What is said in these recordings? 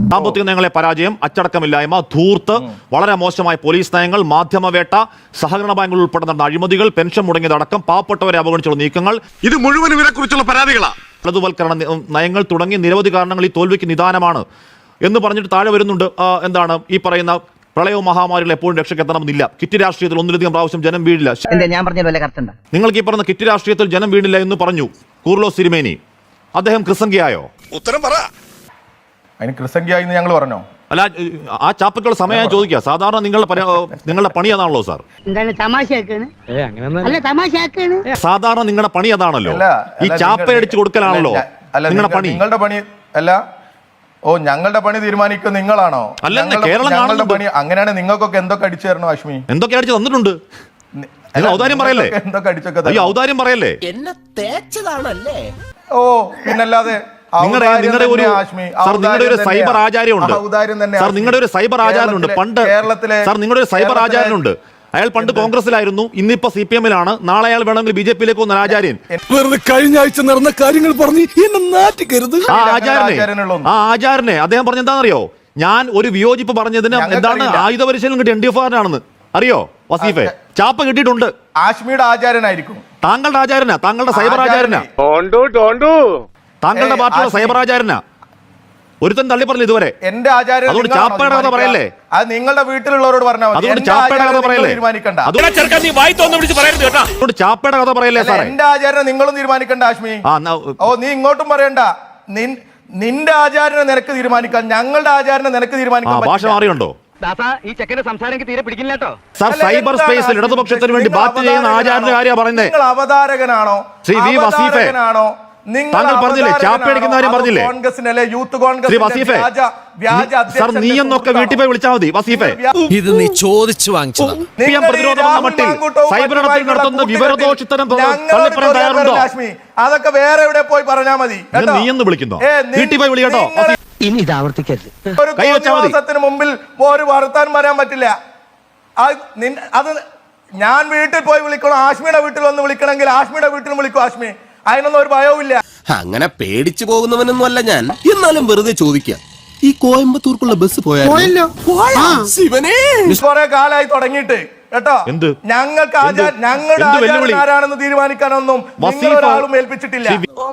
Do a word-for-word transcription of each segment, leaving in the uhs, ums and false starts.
സാമ്പത്തിക നയങ്ങളെ പരാജയം, അച്ചടക്കമില്ലായ്മ, ധൂർത്ത്, വളരെ മോശമായ പോലീസ് നയങ്ങൾ, മാധ്യമവേട്ട, സഹകരണ ബാങ്കുകൾ ഉൾപ്പെടെ നടന്ന അഴിമതികൾ, പെൻഷൻ മുടങ്ങിയതടക്കം പാവപ്പെട്ടവരെ അവഗണിച്ചുള്ള നീക്കങ്ങൾ, ഇത് മുഴുവൻ ഇവരെക്കുറിച്ചുള്ള പരാതികളാണ്. വലതുവൽക്കരണ നയങ്ങൾ തുടങ്ങി നിരവധി കാരണങ്ങൾ ഈ തോൽവിക്ക് നിദാനമാണ് എന്ന് പറഞ്ഞിട്ട് താഴെ വരുന്നുണ്ട്. എന്താണ് ഈ പറയുന്ന പ്രളയവും മഹാമാരികൾ എപ്പോഴും രക്ഷക്കെത്തണമെന്നില്ല. കിറ്റ് രാഷ്ട്രീയത്തിൽ ഒന്നിലധികം പ്രാവശ്യം ജനം വീഴില്ല. നിങ്ങൾക്ക് ഈ പറഞ്ഞ കിറ്റ് രാഷ്ട്രീയത്തിൽ ജനം വീണില്ല എന്ന് പറഞ്ഞു കൂർലോസ് തിരുമേനി. അദ്ദേഹം ക്രിസംഖ്യയായോ? ഉത്തരം പറ. അതിന് ക്രിസംഖ്യ എന്ന് ഞങ്ങൾ പറഞ്ഞോ? അല്ല, ആ ചാപ്പക്കുള്ള സമയം ചോദിക്കുക. സാധാരണ നിങ്ങളുടെ നിങ്ങളുടെ പണി അതാണല്ലോ സാർ. സാധാരണ നിങ്ങളുടെ പണി അതാണല്ലോ, ഈ ചാപ്പയടിച്ചു കൊടുക്കലാണല്ലോ നിങ്ങളുടെ പണി. നിങ്ങളുടെ പണി അല്ല. ഓ, ഞങ്ങളുടെ പണി തീരുമാനിക്കും നിങ്ങളാണോ? ഞങ്ങളുടെ പണി അങ്ങനെയാണ്. നിങ്ങൾക്കൊക്കെ എന്തൊക്കെ അടിച്ചു തരണോ ഹാഷ്മി? എന്തൊക്കെ അടിച്ചു തന്നിട്ടുണ്ട്? ഔദാര്യം പറയല്ലേ? എന്തൊക്കെ അടിച്ചൊക്കെ ഔദാര്യം പറയല്ലേ? എന്നെ തേച്ചതാണല്ലേ? ഓ, പിന്നല്ലാതെ നിങ്ങളുടെ നിങ്ങളുടെ ഒരു സാർ നിങ്ങളുടെ ഒരു സൈബർ ആചാര്യമുണ്ട് സാർ നിങ്ങളുടെ ഒരു സൈബർ ആചാര്യനുണ്ട് പണ്ട് സാർ നിങ്ങളുടെ ഒരു സൈബർ ആചാര്യനുണ്ട്. അയാൾ പണ്ട് കോൺഗ്രസിലായിരുന്നു, ഇന്നിപ്പോ സി പി എമ്മിലാണ്. നാളെ അയാൾ വേണമെങ്കിൽ ബി ജെ പിയിലേക്ക് വന്ന ആചാര്യൻ. കഴിഞ്ഞ ആഴ്ച നടന്ന കാര്യങ്ങൾ പറഞ്ഞ് എന്നെ നാറ്റിക്കരുത്. ആ ആചാര്യനെ ആ ആചാര്യനെ അദ്ദേഹം പറഞ്ഞ എന്താണെന്നറിയോ? ഞാൻ ഒരു വിയോജിപ്പ് പറഞ്ഞതിന് എന്താണ് ആയുധ പരിശീലനം കിട്ടിയ എൻ ഡി എഫ് ആറിനാണെന്ന് അറിയോ വസീഫെ? ചാപ്പ കിട്ടിയിട്ടുണ്ട്. ആശ്മിയുടെ ആചാര്യനായിരിക്കും. താങ്കളുടെ ആചാര്യനാ, താങ്കളുടെ സൈബർ ആചാര്യനാ, താങ്കളുടെ പാർട്ടിയുടെ സൈബർ ആചാര്യനാ. ഒരുത്തൻ തള്ളി പറഞ്ഞു ഇതുവരെ. എന്റെ ആചാര്യൻ അതുകൊണ്ട് ചാപ്പയുടെ കഥ പറയല്ലേ? അത് നിങ്ങളുടെ വീട്ടിലുള്ളവരോട് പറഞ്ഞാൽ മതി. അതുകൊണ്ട് ചാപ്പയുടെ കഥ പറയല്ലേ? തീരുമാനിക്കണ്ട. അതുകൊണ്ട് ചാപ്പയുടെ കഥ പറയല്ലേ സാറേ? എന്റെ ആചാര്യനെ നിങ്ങളും തീരുമാനിക്കണ്ട ആശ്മി. ഓ, നീ ഇങ്ങോട്ടും പറയണ്ട. നിന്റെ ആചാര്യനെ നിനക്ക് തീരുമാനിക്കാം, ഞങ്ങളുടെ ആചാര്യനെ നിനക്ക് തീരുമാനിക്കാം. ഭാഷ മാറിയുണ്ടോ? ഈ ചെക്കന്റെ സംസാരം തീരെ പിടിക്കില്ല കേട്ടോ. സാർ സൈബർ സ്പേസിൽ ഇടതുപക്ഷത്തിന് വേണ്ടി ബാറ്റ് ചെയ്യുന്ന ആചാര്യന്റെ കാര്യമാണ് പറയുന്നത്. നിങ്ങൾ അവതാരകനാണോ? ശ്രീ വി വസീഫെ, താങ്കൾ പറഞ്ഞില്ലേ ചാപ്പയടിക്കുന്ന കാര്യം പറഞ്ഞില്ലേ? ശ്രീ വസീഫെ, സാർ നീ എന്നൊക്കെ വീട്ടിൽ പോയി വിളിച്ചാൽ മതി വസീഫെ. ഇത് നീ ചോദിച്ചു വാങ്ങിച്ചതാ. പ്രതിരോധം എന്ന മട്ടിൽ സൈബർ ഇടത്തിൽ നടത്തുന്ന വിവരദോഷിത്തരം തള്ളിപ്പറയാൻ തയ്യാറുണ്ടോ? അതൊക്കെ വേറെ എവിടെ പോയി പറഞ്ഞാൽ മതി. നീ എന്ന് വിളിക്കുന്നോ? വീട്ടിൽ പോയി വിളിക്കട്ടോ. ഇനി ഇത് ആവർത്തിക്കരുത്. ഒരു ദിവസത്തിന് മുമ്പിൽ ഒരു വർത്താനം പറയാൻ പറ്റില്ല. അത് ഞാൻ വീട്ടിൽ പോയി വിളിക്കണം. ആശ്മിയുടെ വീട്ടിൽ ഒന്ന് വിളിക്കണമെങ്കിൽ ആശ്മിയുടെ വീട്ടിൽ വിളിക്കും ആശ്മി. അതിനൊന്നും ഒരു ഭയവും ഇല്ല. അങ്ങനെ പേടിച്ചു പോകുന്നവനൊന്നും അല്ല ഞാൻ. എന്നാലും വെറുതെ ചോദിക്കാം, ഈ കോയമ്പത്തൂർക്കുള്ള ബസ് പോയാലോ? കുറെ കാലായി തുടങ്ങിയിട്ട് കേട്ടോ. ഞങ്ങൾക്ക് ഞങ്ങളുടെ ആചാര്യൻ ആരാണെന്ന് തീരുമാനിക്കാനൊന്നും നിങ്ങളൊരാളും ഏൽപ്പിച്ചിട്ടില്ല.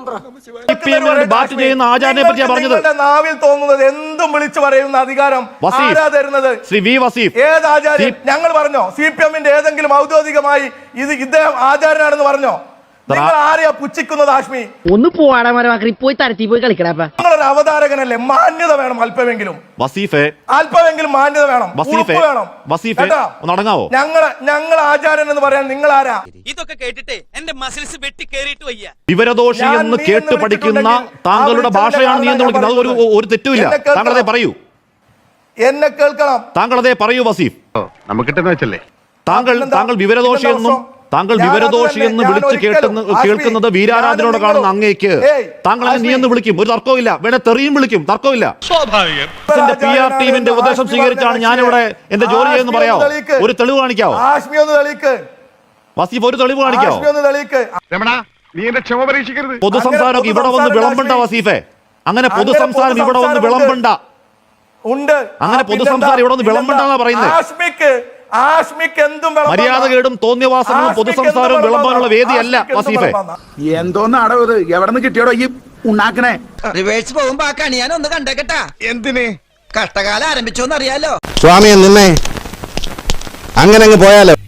നാവിൽ തോന്നുന്നത് എന്തും വിളിച്ചു പറയുന്ന അധികാരം ആരാ തരുന്നത്? ഏത് ആചാര്യൻ? ഞങ്ങൾ പറഞ്ഞോ സി പി എമ്മിന്റെ ഏതെങ്കിലും ഔദ്യോഗികമായി ഇത് ഇദ്ദേഹം ആചാര്യനാണെന്ന് പറഞ്ഞോ? നിങ്ങൾ ആരെയാ പുച്ഛിക്കുന്നത് ആശ്മി? ഒന്ന് പോയി പോയി തരത്തി പോയി കളിക്കടാ. നിങ്ങളൊരു അവതാരകനല്ലേ? മാന്യത വേണം അല്പമെങ്കിലും. വസീഫെ, അല്പമെങ്കിലും മാന്യത വേണം, വേണം. ഞങ്ങള് ഞങ്ങൾ ആചാര്യൻ എന്ന് പറയാൻ നിങ്ങൾ ആരാ? ഇതൊക്കെ കേട്ടിട്ട് എന്റെ മസിൽസ് വെട്ടി കേറിയിട്ട് വയ്യ. വിവരദോഷി എന്ന് കേട്ട് പഠിക്കുന്ന താങ്കളുടെ ഭാഷയാണ് നീ എന്ന് വിളിക്കുന്നത്. അത് ഒരു ഒരു തെറ്റുമില്ല. താങ്കളതേ പറയൂ. എന്നെ കേൾക്കണം. താങ്കളതേ പറയൂ വസീഫ്. നമുക്ക് വെച്ചല്ലേ താങ്കൾ താങ്കൾ വിവരദോഷി എന്നും താങ്കൾ വിവരദോഷി എന്ന് വിളിച്ച് കേട്ടുന്ന കേൾക്കുന്നത് വീരാരാധനയോടെ കാണുന്ന അങ്ങേക്ക് താങ്കൾ നീ എന്ന് വിളിക്കും, ഒരു തർക്കവും ഇല്ല. വേണേ തെറിയും വിളിക്കും, തർക്കമില്ല. പി ആർ ടീമിന്റെ ഉപദേശം സ്വീകരിച്ചാണ് ഞാനിവിടെ എന്റെ ജോലി ചെയ്യുന്ന പറയാവോ? ഒരു തെളിവ് കാണിക്കാവോ വസീഫ്? ഒരു തെളിവ് കാണിക്കാവോ? പൊതുസംസാരം ഇവിടെ വന്ന് വിളമ്പണ്ട വസീഫെ. അങ്ങനെ പൊതുസംസാരം ഇവിടെ വന്ന് വിളമ്പണ്ട. അങ്ങനെ പൊതുസംസാരം ഇവിടെ വന്ന് വിളമ്പണ്ടെന്നാ പറയുന്നത്. മര്യാദ കേടും തോന്നിയവാസങ്ങളും പൊതുസംസാരവും വിളമ്പാനുള്ള വേദിയല്ല വസീഫെ. എന്തോന്നാടോ ഇത്? എവിടെ നിന്ന് കിട്ടിയോടോ ഈ ഉണ്ടാക്കണേ? റിവേഴ്സ് പോകുമ്പോ ആ കണി ഞാൻ ഒന്ന് കണ്ടേക്കട്ടാ. എന്തിന്? കഷ്ടകാലം ആരംഭിച്ചോന്ന് അറിയാലോ. സ്വാമിയെ നിന്നെ അങ്ങനെ അങ്ങ് പോയാലോ.